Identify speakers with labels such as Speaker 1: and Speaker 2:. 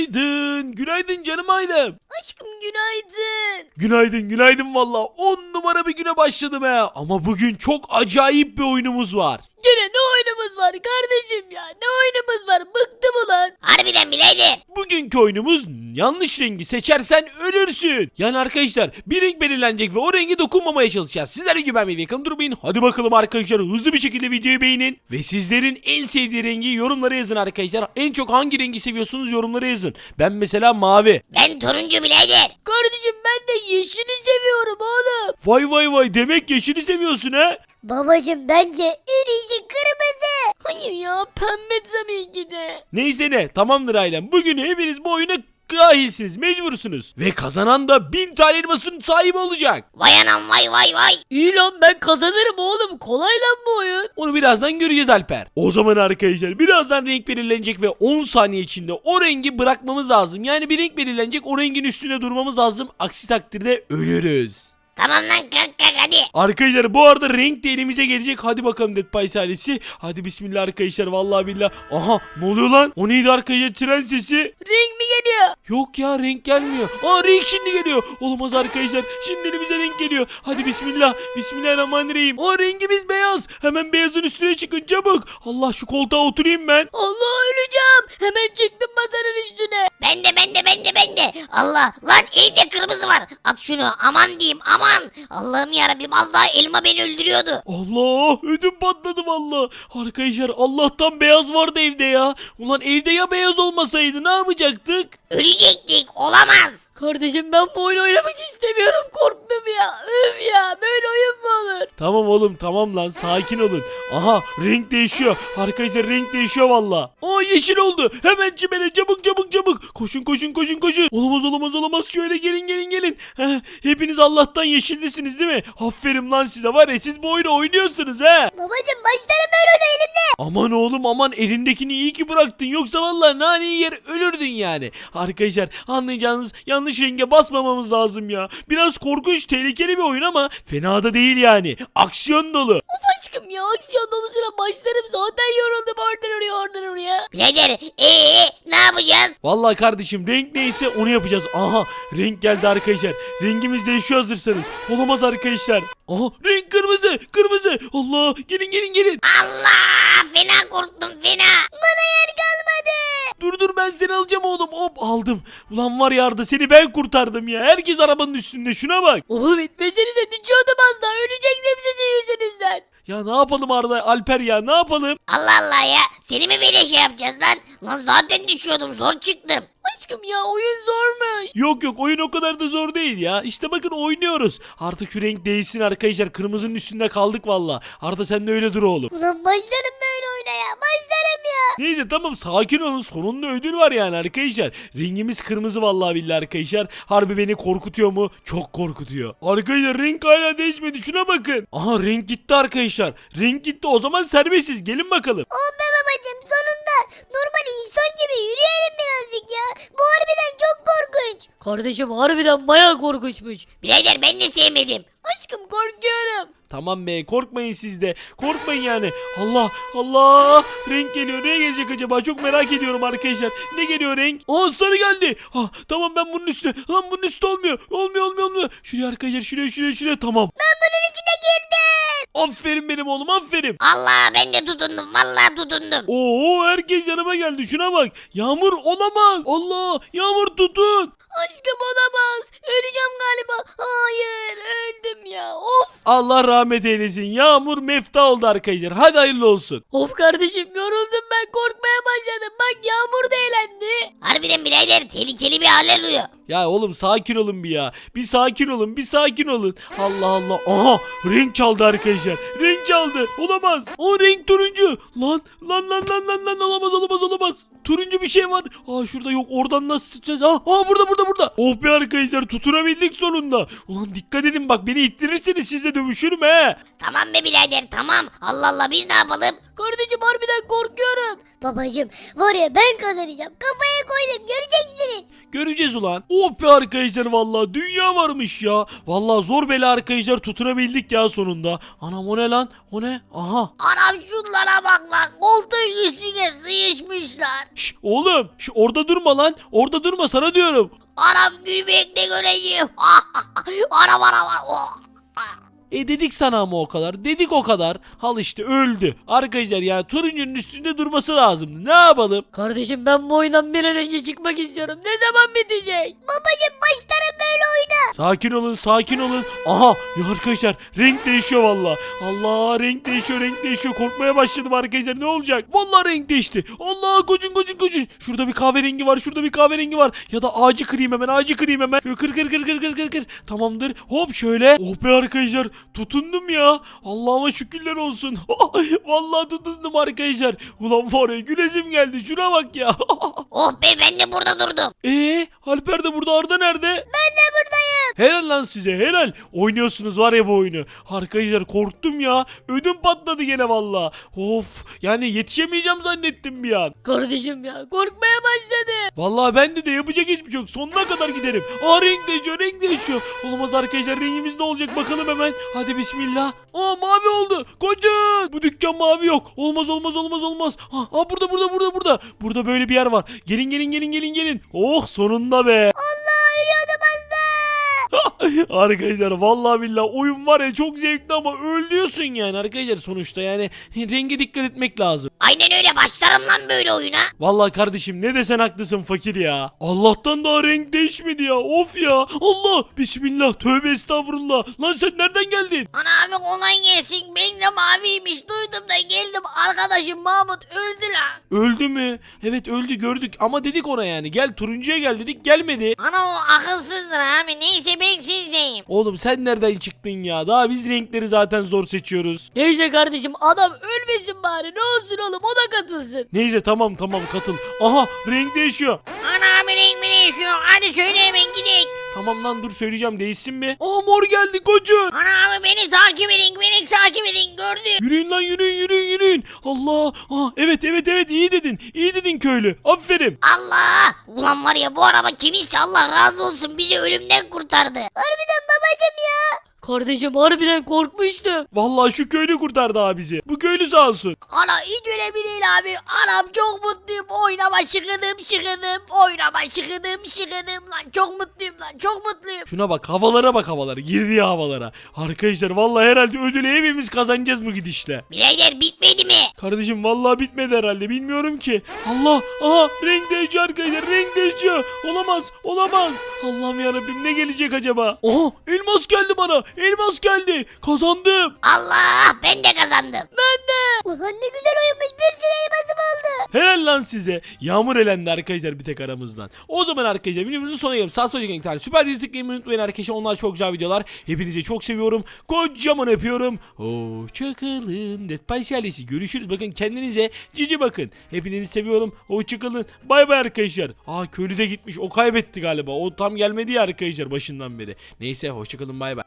Speaker 1: Günaydın. Günaydın canım ailem.
Speaker 2: Aşkım günaydın.
Speaker 1: Günaydın valla. 10 numara bir güne başladım he. Ama bugün çok acayip bir oyunumuz var.
Speaker 2: Gene ne oyunumuz var kardeşim ya? Ne oyunumuz var? Bıktım ulan.
Speaker 3: Harbiden birader.
Speaker 1: Bugünkü oyunumuz yanlış rengi seçersen ölürsün. Yani arkadaşlar bir renk belirlenecek ve o rengi dokunmamaya çalışacağız. Sizler de güvenmeyi ve yakın durmayın. Hadi bakalım arkadaşlar hızlı bir şekilde videoyu beğenin. Ve sizlerin en sevdiği rengi yorumlara yazın arkadaşlar. En çok hangi rengi seviyorsunuz yorumlara yazın. Ben mesela mavi.
Speaker 3: Ben turuncu birader.
Speaker 2: Kardeşim ben de yeşili seviyorum oğlum.
Speaker 1: Vay demek yeşili seviyorsun ha?
Speaker 2: Babacım bence en iyisi kırmızı. Hayır ya pembe tabii ki de.
Speaker 1: Neyse ne tamamdır ailem. Bugün hepiniz bu oyuna dahilsiniz, mecbursunuz. Ve kazanan da 1000 tane elmasın sahibi olacak.
Speaker 3: Vay anam vay.
Speaker 2: İyi lan ben kazanırım oğlum. Kolay lan bu oyun.
Speaker 1: Onu birazdan göreceğiz Alper. O zaman arkadaşlar birazdan renk belirlenecek ve 10 saniye içinde o rengi bırakmamız lazım. Yani bir renk belirlenecek, o rengin üstüne durmamız lazım. Aksi takdirde ölürüz.
Speaker 3: Tamam lan kalk hadi.
Speaker 1: Arkadaşlar bu arada renk de elimize gelecek. Hadi bakalım Dead Pies ailesi. Hadi bismillah arkadaşlar vallahi billah. Aha ne oluyor lan? O neydi arkadaşlar, tren sesi?
Speaker 2: Renk mi geliyor?
Speaker 1: Yok ya renk gelmiyor. Aa renk şimdi geliyor. Olamaz arkadaşlar. Şimdi elimize renk geliyor. Hadi bismillah. Bismillahirrahmanirrahim. O rengimiz beyaz. Hemen beyazın üstüne çıkın çabuk. Allah şu koltuğa oturayım ben.
Speaker 2: Allah öleceğim. Hemen çıktım masanın üstüne.
Speaker 3: Ben de. Allah lan evde kırmızı var. At şunu aman diyeyim aman. Allah'ım yarabbim az daha elma beni öldürüyordu.
Speaker 1: Allah ödüm patladı valla. Arkadaşlar Allah'tan beyaz vardı evde ya. Ulan evde ya beyaz olmasaydı ne yapacaktık?
Speaker 3: Ölecektik olamaz.
Speaker 2: Kardeşim ben bu oyunu oynamak istemiyorum. Korktum ya. Öf ya böyle oyun mu olur?
Speaker 1: Tamam oğlum tamam lan sakin olun. Aha renk değişiyor. Arkadaşlar renk değişiyor valla. Aa yeşil oldu. Hemen çimene çabuk. Koşun. Olamaz. Şöyle gelin. Heh, hepiniz Allah'tan yeşillisiniz değil mi? Aferin lan size, var ya siz bu oyunu oynuyorsunuz he.
Speaker 2: Babacım başlarım böyle oyuna elimde.
Speaker 1: Aman oğlum aman, elindekini iyi ki bıraktın. Yoksa vallahi naneyi yer ölürdün yani. Arkadaşlar anlayacağınız yanlış renge basmamamız lazım ya. Biraz korkunç tehlikeli bir oyun ama fena da değil yani. Aksiyon dolu.
Speaker 2: Of aşkım ya aksiyon dolusuyla başlarım zaten yoruldum oradan oraya.
Speaker 3: Birader ne yapacağız?
Speaker 1: Vallahi kardeşim renk neyse onu yapacağız. Aha renk geldi arkadaşlar. Rengimiz değişiyor hazırsanız. Olamaz arkadaşlar. Aha renk kırmızı. Allah gelin.
Speaker 3: Allah fena korktum fena.
Speaker 2: Bana yer kalmadı.
Speaker 1: Dur ben seni alacağım oğlum. Hop aldım. Ulan var ya Arda, seni ben kurtardım ya. Herkes arabanın üstünde, şuna bak.
Speaker 2: Oğlum bitmesenize düşüyordum az daha ölecektim sizin yüzünüzden.
Speaker 1: Ya ne yapalım Arda, Alper ya ne yapalım?
Speaker 3: Allah ya seni mi böyle şey yapacağız lan? Lan zaten düşüyordum zor çıktım.
Speaker 2: Aşkım ya oyun zormuş.
Speaker 1: Yok oyun o kadar da zor değil ya. İşte bakın oynuyoruz. Artık şu renk değişsin arkadaşlar. Kırmızının üstünde kaldık valla. Arda sen de öyle dur oğlum.
Speaker 2: Ulan başlarım böyle oyuna ya başlarım ya.
Speaker 1: Neyse tamam sakin olun. Sonunda ödül var yani arkadaşlar. Rengimiz kırmızı vallahi billahi arkadaşlar. Harbi beni korkutuyor mu? Çok korkutuyor. Arkadaşlar renk hala değişmedi. Şuna bakın. Aha renk gitti arkadaşlar. Renk gitti, o zaman serbestsiz. Gelin bakalım.
Speaker 2: Oh be babacım sonunda normal insan gibi yürüyelim birazcık ya. Bu harbiden çok korkunç. Kardeşim harbiden bayağı korkunçmuş.
Speaker 3: Birader ben de sevmedim.
Speaker 2: Aşkım korkuyorum.
Speaker 1: Tamam be, korkmayın siz de. Korkmayın yani. Allah. Renk geliyor. Ne gelecek acaba? Çok merak ediyorum arkadaşlar. Ne geliyor renk? Aa sarı geldi. Tamam ben bunun üstüne. Lan bunun üstü olmuyor. Olmuyor. Şuraya arkadaşlar, şuraya. Tamam.
Speaker 2: Ben bunun içine girdim.
Speaker 1: Aferin benim oğlum, aferin.
Speaker 3: Allah ben de tutundum vallahi tutundum.
Speaker 1: Oo herkes yanıma geldi. Şuna bak. Yağmur olamaz. Allah, Yağmur tutun.
Speaker 2: Aşkım olamaz. Öleceğim galiba. Hayır öldüm ya. Of.
Speaker 1: Allah rahmet eylesin. Yağmur mefta oldu arkadaşlar. Hadi hayırlı olsun.
Speaker 2: Of kardeşim yoruldum ben korkmaya başladım. Bak yağmur da eğlendi.
Speaker 3: Harbiden birader tehlikeli bir haller oluyor.
Speaker 1: Ya oğlum sakin olun bir ya. Bir sakin olun. Allah. Aha renk çaldı arkadaşlar. Renk çaldı. Olamaz. O renk turuncu. Lan. Olamaz. Turuncu bir şey var. Şurada yok. Oradan nasıl tutacağız? Burada. Oh be arkadaşlar, tutunabildik sonunda. Ulan dikkat edin bak, beni ittirirseniz sizle dövüşürüm he.
Speaker 3: Tamam be birader tamam. Allah biz ne yapalım?
Speaker 2: Kardeşim harbiden korkuyorum. Babacım var ya ben kazanacağım. Kafaya koydum göreceksiniz.
Speaker 1: Göreceğiz ulan. Oh be arkadaşlar, vallahi dünya varmış ya. Vallahi zor bela arkadaşlar, tutunabildik ya sonunda. Anam o ne lan? O ne? Aha.
Speaker 3: Anam şunlara bak lan koltuğun üstüne sıyışmışlar.
Speaker 1: Şş, oğlum orada durma lan. Orada durma sana diyorum.
Speaker 3: Anam gülmekte göreceğim. Anam anam. Oh.
Speaker 1: Dedik sana ama o kadar. Dedik o kadar. Al işte öldü. Arkadaşlar ya turuncunun üstünde durması lazımdı. Ne yapalım?
Speaker 2: Kardeşim ben bu oyundan bir an önce çıkmak istiyorum. Ne zaman bitecek?
Speaker 3: Babacım başlarım böyle oyuna.
Speaker 1: Sakin olun sakin olun. Aha ya arkadaşlar renk değişiyor valla. Allah renk değişiyor. Korkmaya başladım arkadaşlar ne olacak? Valla renk değişti. Allah koşun. Şurada bir kahverengi var. Ya da ağacı kırayım hemen. Kır. Tamamdır. Hop şöyle. Oh be arkadaşlar. Tutundum ya. Allah'ıma şükürler olsun. Vallahi tutundum arkadaşlar. Ulan var ya gülesim geldi. Şuna bak ya.
Speaker 3: Oh be ben de burada durdum.
Speaker 1: Alper de burada, Arda nerede?
Speaker 3: Ben de buradayım.
Speaker 1: Helal lan size helal. Oynuyorsunuz var ya bu oyunu. Arkadaşlar korktum ya. Ödüm patladı gene valla. Of yani yetişemeyeceğim zannettim bir an.
Speaker 2: Kardeşim ya korkmaya başladı.
Speaker 1: Vallahi bende de yapacak hiçbir şey yok. Sonuna kadar giderim. Renk değişiyor. Olamaz arkadaşlar rengimiz ne olacak bakalım hemen. Hadi bismillah. Mavi oldu. Koşun. Bu dükkan mavi yok. Olmaz. Burada. Burada böyle bir yer var. Gelin. Oh sonunda be.
Speaker 3: Ölüyordum az da.
Speaker 1: Arkadaşlar vallahi billahi oyun var ya çok zevkli ama öldüyorsun yani arkadaşlar sonuçta yani renge dikkat etmek lazım.
Speaker 3: Aynen öyle başlarım lan böyle oyuna.
Speaker 1: Vallahi kardeşim ne desen haklısın fakir ya. Allah'tan daha renk değişmedi ya. Of ya. Allah. Bismillah. Tövbe estağfurullah. Lan sen nereden geldin?
Speaker 3: Ana abi kolay gelsin. Ben de maviymiş. Duydum da geldim. Arkadaşım Mahmut öldü lan.
Speaker 1: Öldü mü? Evet öldü gördük ama dedik ona yani. Gel turuncuya gel dedik gelmedi.
Speaker 3: Ana o akılsızdır abi. Neyse ben sizeyim.
Speaker 1: Oğlum sen nereden çıktın ya? Daha biz renkleri zaten zor seçiyoruz.
Speaker 2: Neyse kardeşim adam ölmesin bari ne olsun oğlum o da katılsın.
Speaker 1: Neyse tamam katıl. Aha renk değişiyor.
Speaker 3: Ana abi renk mi değişiyor? Hadi söyle hemen gidelim.
Speaker 1: Tamam lan dur söyleyeceğim değişsin mi? Mor geldi koçun.
Speaker 3: Ana abi beni takip edin. Gördüm.
Speaker 1: Yürüyün lan yürüyün. Allah. Evet iyi dedin köylü. Aferin.
Speaker 3: Allah. Ulan var ya bu araba kiminse Allah razı olsun bizi ölümden kurtardı. Harbiden babacım ya.
Speaker 2: Kardeşim harbiden korkmuştum.
Speaker 1: Vallahi şu köylü kurtardı abi bizi. Bu köylü sağ olsun.
Speaker 3: Ana hiç önemli değil abi. Anam çok mutluyum. Oynama şıkıdım. Oynama şıkıdım lan. Çok mutluyum.
Speaker 1: Şuna bak havalara. Girdi ya havalara. Arkadaşlar vallahi herhalde ödülü hepimiz kazanacağız bu gidişle.
Speaker 3: Birader bitmedi mi?
Speaker 1: Kardeşim vallahi bitmedi herhalde. Bilmiyorum ki. Allah. Aha renk değişiyor arkadaşlar. Renk değişiyor. Olamaz. Allah'ım yarabbim ne gelecek acaba? Aha elmas geldi bana. Elmas geldi. Kazandım.
Speaker 3: Allah ben de kazandım.
Speaker 2: Ulan ne güzel oyunmuş bir sürü elmasım oldu.
Speaker 1: Helal lan size. Yağmur elendi arkadaşlar bir tek aramızdan. O zaman arkadaşlar videomuzun sonuna gelip sağ sonucu tane süper dizi tıklamayı unutmayın arkadaşlar. Onlar çok güzel videolar. Hepinizi çok seviyorum. Kocaman öpüyorum. Hoşçakalın. Dead Pies ailesi. Görüşürüz. Bakın kendinize cici bakın. Hepinizi seviyorum. Hoşçakalın. Bay bay arkadaşlar. Köylü de gitmiş. O kaybetti galiba. O tam gelmedi ya arkadaşlar başından beri. Neyse hoşçakalın bay bay.